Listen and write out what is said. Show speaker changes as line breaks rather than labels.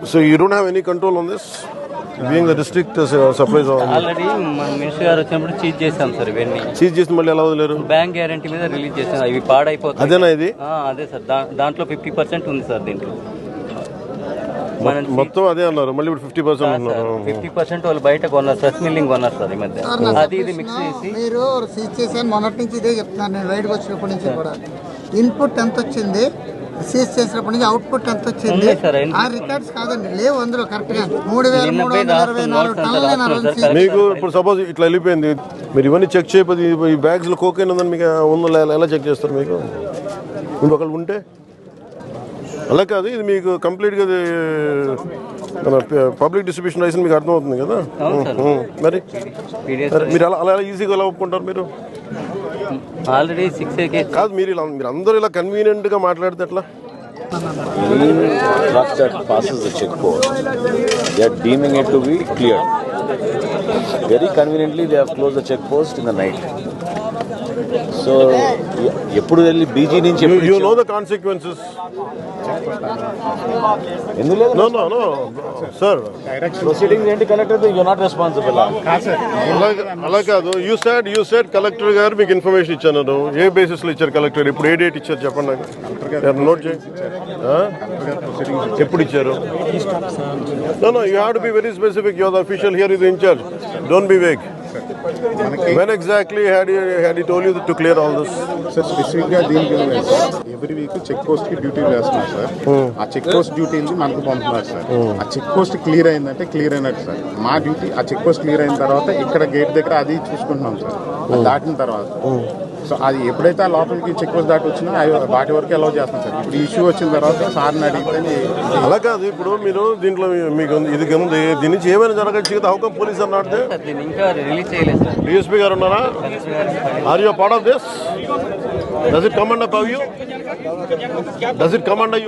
So you don't have any control on this? Being the district supplies
already మన minister గారు వచ్చినప్పుడు cheese చేశాం sir ఇవన్నీ.
Cheese చేసి మళ్ళీ ఎలా వదిలేరు?
బ్యాంక్ గ్యారంటీ మీద రిలీజ్ చేశాం. ఇవి పాడైపోతాయి.
అదేనా ఇది?
అదే సార్. దాంట్లో 50% ఉంది సార్ దీంట్లో.
మొత్తం అదే అన్నారు. మళ్ళీ ఇప్పుడు 50% అన్నారు.
50% వాళ్ళు బయట కొన్నారు, ఫ్రెష్ మిల్లింగ్ కొన్నారు సార్ ఈ మధ్య. అది ఇది మిక్స్ చేసి
మీరు సీజ్ చేశాను. మొన్నటి నుంచి ఇదే చెప్తున్నాను నేను, బయటకు వచ్చినప్పటి నుంచి కూడా. ఇన్పుట్ ఎంత వచ్చింది, సీజ్ చేసినప్పటి నుంచి అవుట్పుట్ ఎంత వచ్చింది, ఆ రికార్డ్స్ కాదండి లేవు అందులో కరెక్ట్ గా. 3,324 టన్నులు.
మీకు ఇప్పుడు సపోజ్ ఇట్లా వెళ్ళిపోయింది, మీరు ఇవన్నీ చెక్ చేయకపోతే ఈ బ్యాగ్స్ లో కోకైన్ ఉందని మీకు ఉందో ఎలా చెక్ చేస్తారు? మీకు ఇంకొకళ్ళు ఉంటే అలా కాదు. ఇది మీకు కంప్లీట్గా పబ్లిక్ డిస్ట్రిబ్యూషన్ రైస్ మీకు అర్థమవుతుంది కదా. మరి మీరు అలా ఈజీగా ఎలా ఒప్పుకుంటారు? మీరు
ఆల్రెడీ 6
కాదు, మీరు అందరూ ఇలా కన్వీనియంట్గా మాట్లాడితే ఎట్లా?
Truck that passes the check post, they are deeming it to be cleared. Very conveniently, they have closed the check post in the night. So, ఎప్పుడు వెళ్ళి బీజీ నుంచి
you know the consequences. No, sir.
Proceedings ఏంటి collector? You are not responsible.
అలా కాదు. You said collector గారు మీకు information ఇచ్చాను. ఏ basis లో ఇచ్చారు కలెక్టర్? ఇప్పుడు ఏ డేట్ ఇచ్చారు చెప్పండి నాకు. నోట్ చేయండి. ఎప్పుడు ఇచ్చారు? No, you have to be very specific. You are the official here, is in charge. Don't be vague. When exactly had he told you to clear all this?
Sir specific గా దీనికి every week check post కి duty వేస్తున్నారు sir. ఆ check post duty మనకు పంపుతున్నారు sir. ఆ check post clear అయిందంటే clear అయినట్టు సార్. మా డ్యూటీ ఆ చెక్ పోస్ట్ క్లియర్ అయిన తర్వాత ఇక్కడ గేట్ దగ్గర అది చూసుకుంటున్నాం సార్. దాటిన తర్వాత సో అది ఎప్పుడైతే ఆ లోపలికి చెక్ పోస్ట్ దాటి వచ్చినా వాటి వరకు అలౌ చేస్తాం సార్. ఇప్పుడు ఇష్యూ వచ్చిన తర్వాత సార్ని అడిగితే
అలా కాదు. ఇప్పుడు మీరు దీంట్లో మీకు ఇది ఉంది, దీని నుంచి ఏమైనా జరగచ్చు కదా. How come police are not there?
ఇంకా రిలీజ్ చేయలేదు సార్.
డిఎస్పీ గారు ఉన్నారా? Are you part of this? Does it come under you?